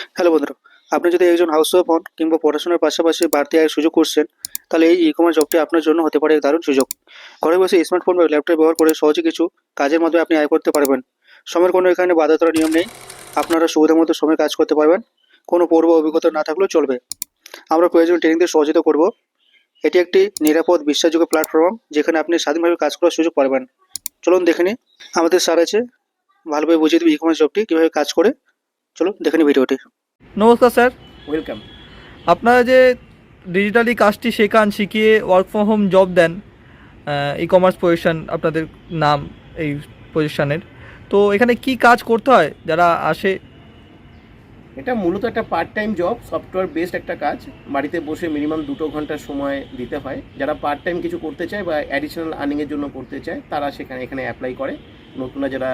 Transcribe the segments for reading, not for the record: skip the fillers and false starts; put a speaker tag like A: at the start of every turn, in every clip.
A: Hello বন্ধুরা, আপনি যদি একজন হাউসওয়াইফ হন কিংবা পড়াশোনার পাশাপাশি বাড়তি আয়ের সুযোগ করছেন, তাহলে এই ই-কমার্স জবটি আপনার জন্য হতে পারে এক দারুণ সুযোগ। ঘরে বসে স্মার্টফোন বা ল্যাপটপ ব্যবহার করে সহজে কিছু কাজের মাধ্যমে আপনি আয় করতে পারবেন। সময়ের কোনো এখানে বাধা ধরা নিয়ম নেই। আপনারা সুবিধা মতো সময় কাজ করতে পারবেন। কোনো পূর্ব অভিজ্ঞতা না থাকলেও চলবে। আমরা প্রয়োজনীয় ট্রেনিং দিয়ে সহযোগিতা করব। এটি একটি নিরাপদ বিশ্বাসযোগ্য প্ল্যাটফর্ম যেখানে আপনি স্বাধীনভাবে কাজ করার সুযোগ পাবেন। চলুন দেখে নিই। আমাদের স্যার আছে, ভালোভাবে বুঝিয়ে দেবে ই-কমার্স জবটি কীভাবে কাজ করে। চলুন দেখে নিই ভিডিওটি।
B: নমস্কার স্যার,
C: ওয়েলকাম।
B: আপনারা যে ডিজিটালি কাজটি শিখিয়ে ওয়ার্ক ফ্রম হোম জব দেন, ই কমার্স পজিশন আপনাদের নাম এই পজিশনের, তো এখানে কি কাজ করতে হয় যারা আসে?
C: এটা মূলত একটা part time job, software based একটা কাজ। বাড়িতে বসে মিনিমাম 2 ঘন্টা সময় দিতে হয়। যারা পার্ট টাইম কিছু করতে চায় বা অ্যাডিশনাল আর্নিংয়ের জন্য করতে চায় তারা এখানে অ্যাপ্লাই করে। নতুনরা যারা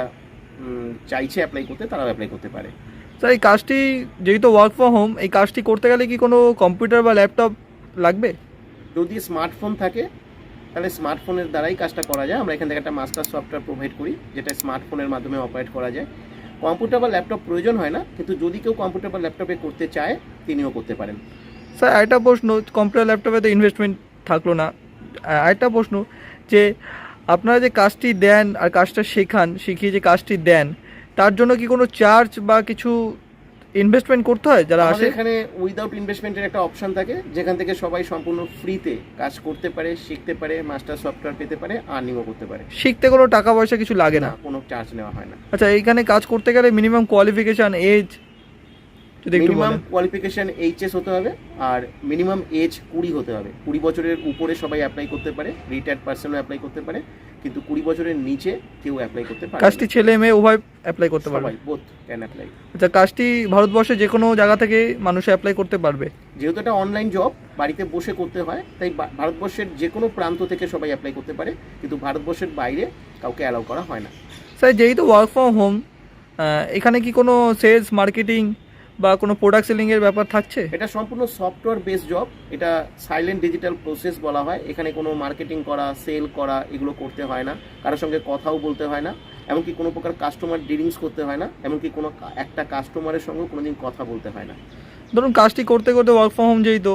C: চাইছে অ্যাপ্লাই করতে তারাও অ্যাপ্লাই করতে পারে।
B: স্যার, এই কাজটি যেহেতু ওয়ার্ক ফ্রম হোম, এই কাজটি করতে গেলে কি কোনো কম্পিউটার বা ল্যাপটপ লাগবে?
C: যদি স্মার্টফোন থাকে তাহলে স্মার্টফোনের দ্বারাই কাজটা করা যায়। আমরা এখান থেকে একটা মাস্টার সফটওয়্যার প্রোভাইড করি যেটা স্মার্টফোনের মাধ্যমে অপারেট করা যায়। কম্পিউটার বা ল্যাপটপ প্রয়োজন হয় না, কিন্তু যদি কেউ কম্পিউটার বা ল্যাপটপে করতে চায় তিনিও করতে পারেন।
B: স্যার, আরেকটা প্রশ্ন, কম্পিউটার ল্যাপটপে তো ইনভেস্টমেন্ট থাকলো না। আরেকটা প্রশ্ন, যে আপনারা যে কাজটি দেন আর কাজটা শিখিয়ে যে কাজটি দেন, তার জন্য কি কোনো চার্জ বা কিছু ইনভেস্টমেন্ট করতে হয় যারা আসে?
C: আমাদের এখানে উইদাউট ইনভেস্টমেন্টের একটা অপশন থাকে যেখান থেকে সবাই সম্পূর্ণ ফ্রিতে কাজ করতে পারে, শিখতে পারে, মাস্টার সফটওয়্যার পেতে পারে, আর্নিংও করতে পারে।
B: শিখতে কোনো টাকা পয়সা কিছু লাগে না?
C: কোনো চার্জ নেওয়া হয় না।
B: আচ্ছা, এইখানে কাজ করতে গেলে মিনিমাম কোয়ালিফিকেশান, এজ যদি একটু
C: মিনিমাম
B: বলেন।
C: কোয়ালিফিকেশন এইচএস হতে হবে আর মিনিমাম এজ 20 হতে হবে। 20 বছরের উপরে সবাই অ্যাপ্লাই করতে পারে, রিটায়ার্ড পার্সনও অ্যাপ্লাই করতে পারে, কিন্তু 20 বছরের নিচে কেউ অ্যাপ্লাই করতে পারে না।
B: কাজটি ছেলে মেয়ে উভয় অ্যাপ্লাই করতে পারবে?
C: সবাই বোথ ক্যান অ্যাপ্লাই।
B: আচ্ছা, কাজটি ভারতবর্ষে যে কোনো জায়গা থেকে মানুষ অ্যাপ্লাই করতে পারবে?
C: যেহেতু এটা অনলাইন জব, বাড়িতে বসে করতে হয়, তাই ভারতবর্ষের যে কোনো প্রান্ত থেকে সবাই অ্যাপ্লাই করতে পারে, কিন্তু ভারতবর্ষের বাইরে কাউকে অ্যালাউ করা হয় না।
B: স্যার, যেহেতু ওয়ার্ক ফ্রম হোম, এখানে কি কোনো সেলস মার্কেটিং বা কোনো প্রোডাক্ট সেলিংয়ের ব্যাপার থাকছে?
C: এটা সম্পূর্ণ সফটওয়্যার বেস জব। এটা সাইলেন্ট ডিজিটাল প্রসেস বলা হয়। এখানে কোনো মার্কেটিং করা, সেল করা এগুলো করতে হয় না, কারোর সঙ্গে কথাও বলতে হয় না, এমনকি কোনো প্রকার কাস্টমার ডিলিংস করতে হয় না, এমনকি কোনো একটা কাস্টমারের সঙ্গেও কোনোদিন কথা বলতে হয় না।
B: ধরুন কাজটি করতে করতে ওয়ার্ক ফ্রম হোম যেহেতু,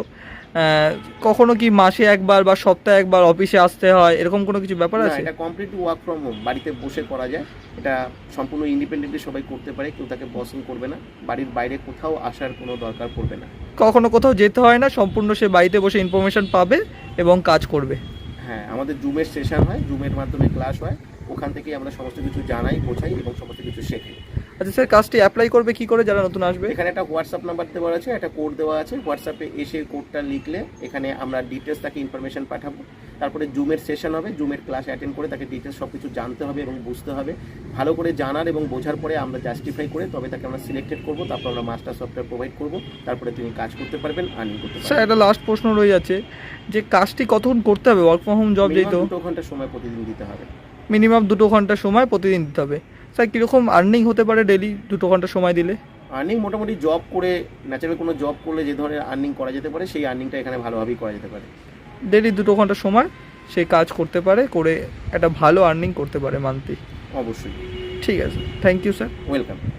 B: কখনো কি মাসে একবার বা সপ্তাহে একবার অফিসে আসতে হয়, এরকম কোনো কিছু ব্যাপার
C: না,
B: আছে?
C: এটা কমপ্লিটলি ওয়ার্ক ফ্রম হোম, বাড়িতে বসে করা যায়। এটা সম্পূর্ণ ইন্ডিপেন্ডেন্টলি সবাই করতে পারে, কেউ তাকে বসিং করবে না, বাড়ির বাইরে কোথাও আসার কোনো দরকার পড়বে না।
B: কখনো কোথাও যেতে হয় না, সম্পূর্ণ সে বাড়িতে বসে ইনফরমেশন পাবে এবং কাজ করবে?
C: হ্যাঁ, আমাদের জুমের সেশন হয়, জুমের মাধ্যমে ক্লাস হয়, ওখান থেকেই আমরা সমস্ত কিছু জানাই, বোঝাই এবং সমস্ত কিছু শেখাই।
B: আচ্ছা স্যার, কাজটি অ্যাপ্লাই করবে কি করে যারা নতুন আসবে?
C: এখানে একটা হোয়াটসঅ্যাপ নাম্বার দেওয়া আছে, একটা কোড দেওয়া আছে। হোয়াটসঅ্যাপে এসে কোডটা লিখলে এখানে আমরা ডিটেলস তাকে ইনফরমেশন পাঠাবো। তারপরে জুমের সেশন হবে, জুমের ক্লাস অ্যাটেন্ড করে তাকে ডিটেলস সব কিছু জানতে হবে এবং বুঝতে হবে। ভালো করে জানার এবং বোঝার পরে আমরা জাস্টিফাই করে তবে তাকে আমরা সিলেক্টেড করবো। তারপর আমরা মাস্টার সফটওয়্যার প্রোভাইড করবো। তারপরে তিনি কাজ করতে পারবেন, আর্নিং করতে
B: স্যার,
C: পারবেন।
B: একটা লাস্ট প্রশ্ন রয়ে যাচ্ছে, যে কাজটি কতক্ষণ করতে হবে? ওয়ার্ক ফ্রম হোম জব যেহেতু,
C: 2 ঘন্টা সময় প্রতিদিন দিতে হবে।
B: মিনিমাম 2 ঘন্টা সময় প্রতিদিন দিতে হবে। স্যার, কীরকম আর্নিং হতে পারে ডেলি 2 ঘন্টা সময় দিলে?
C: আর্নিং মোটামুটি জব করে, ন্যাচারাল কোনো জব করলে যে ধরনের আর্নিং করা যেতে পারে সেই আর্নিংটা এখানে ভালোভাবেই করা যেতে পারে।
B: ডেলি 2 ঘন্টা সময় সে কাজ করতে পারে, করে একটা ভালো আর্নিং করতে পারে মান্থলি।
C: অবশ্যই।
B: ঠিক আছে, থ্যাংক ইউ স্যার।
C: ওয়েলকাম।